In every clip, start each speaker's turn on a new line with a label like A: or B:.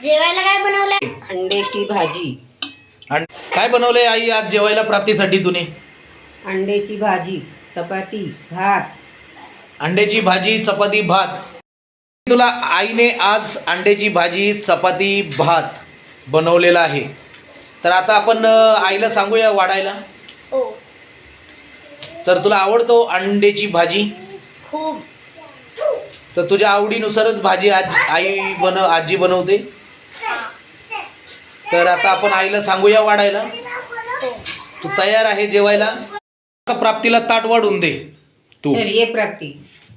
A: जेवायला काय बनवलंय? अंड्याची भाजी.
B: काय बनवलंय आई आज जेवायला प्राप्तीसाठी तुने?
A: अंड्याची भाजी, चपाती, भात.
B: अंड्याची भाजी, चपाती, भात. तुला आईने आज अंड्याची भाजी, चपाती, भात बनवलेला आहे. तर आता आपण आईला सांगूया वाढायला.
A: हो.
B: तर तुला आवडतो अंड्याची भाजी?
A: खूप.
B: तर तुझ्या आवडीनुसारच भाजी आज आजी बनवते. तर आता आपण आईला सांगूया वाढायला. तू तयार आहे जेवायला? प्राप्तीला ताट वाढून दे तू.
A: तर ये प्राप्ती.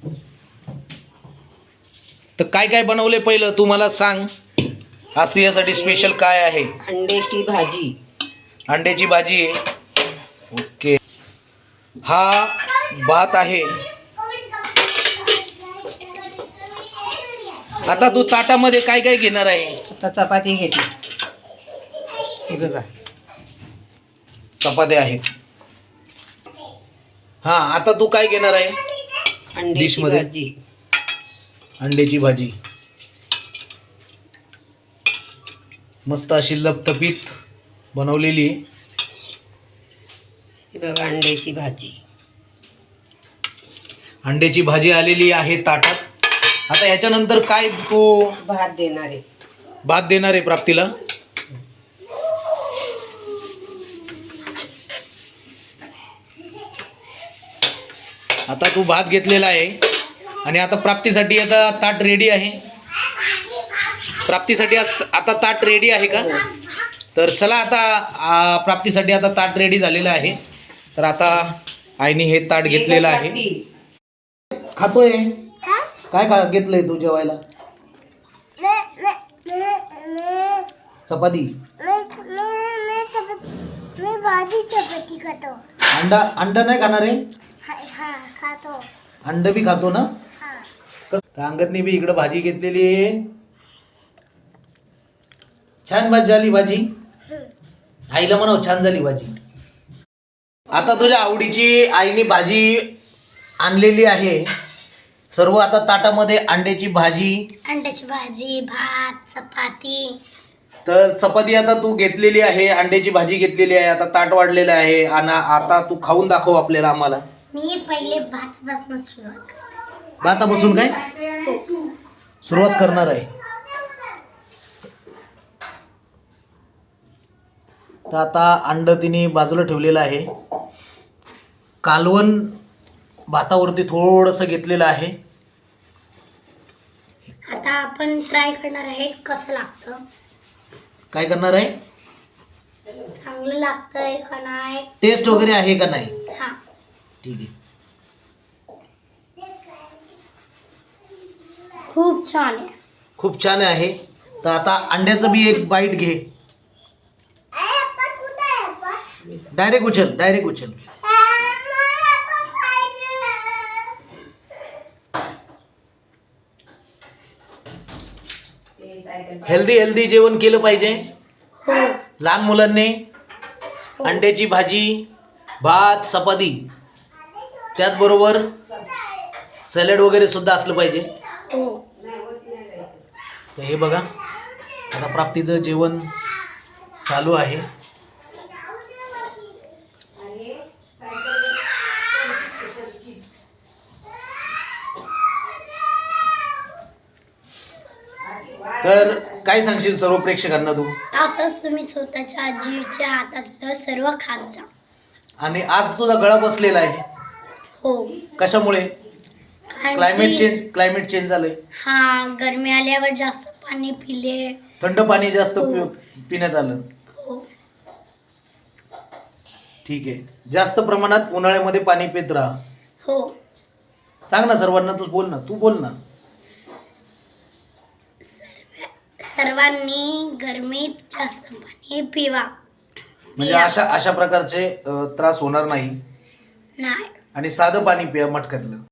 B: तर काय काय बनवले पहिलं तू मला सांग. आज तुझ्यासाठी स्पेशल काय आहे?
A: अंड्याची भाजी.
B: अंड्याची भाजी आहे. ओके. हा भात आहे. आता तू ताटामध्ये काय काय घेणार आहे?
A: आता चपाती घेते. हे बघा,
B: चपात्या आहेत. हा, आता तू काय घेणार आहे?
A: अंड्याची
B: डिशमध्ये?
A: भाजी.
B: अंड्याची भाजी मस्त अशी लपतपीत बनवलेली आहे.
A: हे बघा, अंड्याची भाजी.
B: अंड्याची भाजी आलेली आहे ताटात. आता ह्याच्यानंतर काय तू?
A: भात देणार आहे.
B: भात देणार आहे प्राप्तीला. आता तू भात घेतलेला आहे आणि आता प्राप्तीसाठी आता ताट रेडी आहे. प्राप्तीसाठी आता ताट रेडी आहे का? तर चला आता प्राप्तीसाठी आता ताट रेडी झालेलं आहे. तर आता आईने हे ताट घेतलेलं आहे. खातोय काय घेतलंय तू जेवायला? चपाती.
C: भाजी चपाती खातो.
B: अंडा नाही खाणार आहे?
C: हा खातो.
B: अंड बी खातो ना?
C: हा.
B: अंगदने बी इकडं भाजी घेतलेली आहे. छान भाजी झाली भाजी. आईला म्हणाव छान झाली भाजी. आता तुझ्या आवडीची आईने भाजी आणलेली आहे. सर्व आता ताटामध्ये अंड्याची भाजी.
C: अंड्याची भाजी, भात, चपाती.
B: तर चपाती आता तू घेतलेली आहे, अंड्याची भाजी घेतलेली आहे. आता ताट वाढलेलं आहे आणि आता तू खाऊन दाखव आपल्याला आम्हाला.
C: मी पहिले भातापासून सुरुवात करते.
B: भातापासून काय सुरुवात करणार आहे? तर आता अंड तिने बाजूला ठेवलेलं आहे. कालवण भातावरती थोडंसं घेतलेलं आहे.
C: आता आपण ट्राय करणार आहे कसं लागतं.
B: काय करणार आहे?
C: चांगलं लागतंय का नाही.
B: टेस्ट वगैरे आहे का नाही?
C: हा.
B: ठीक आहे.
C: खूप छान आहे.
B: खूप छान आहे. तर आता अंड्याचं बी एक बाईट घे. डायरेक्ट उचल. हेल्दी जेवण केलं पाहिजे लहान मुलांनी. अंड्याची भाजी, भात, चपाती, त्याचबरोबर सॅलड वगैरे सुद्धा असलं पाहिजे. तर हे बघा, आता प्राप्तीचं जेवण चालू आहे. तर काय सांगशील सर्व प्रेक्षकांना तू?
C: असंच तुम्ही स्वतःच्या आजीच्या हातातलं सर्व खात जा.
B: आणि आज तुझा गळा बसलेला आहे.
C: हो.
B: कशामुळे?
C: कारण
B: क्लायमेट चेंज झालंय.
C: हा, गरमी आल्यावर जास्त पाणी पिले.
B: थंड पाणी जास्त पिण्यात आलं.
C: हो.
B: ठीक आहे. जास्त प्रमाणात उन्हाळ्यामध्ये पाणी पित राहा.
C: हो.
B: सांग ना सर्वांना. तू बोल ना.
C: सर्वांनी गरमीत जास्त पाणी पिवा.
B: म्हणजे अशा प्रकारचे त्रास होणार नाही.
C: नाही.
B: आणि साधं पाणी पिया मटक्यातलं.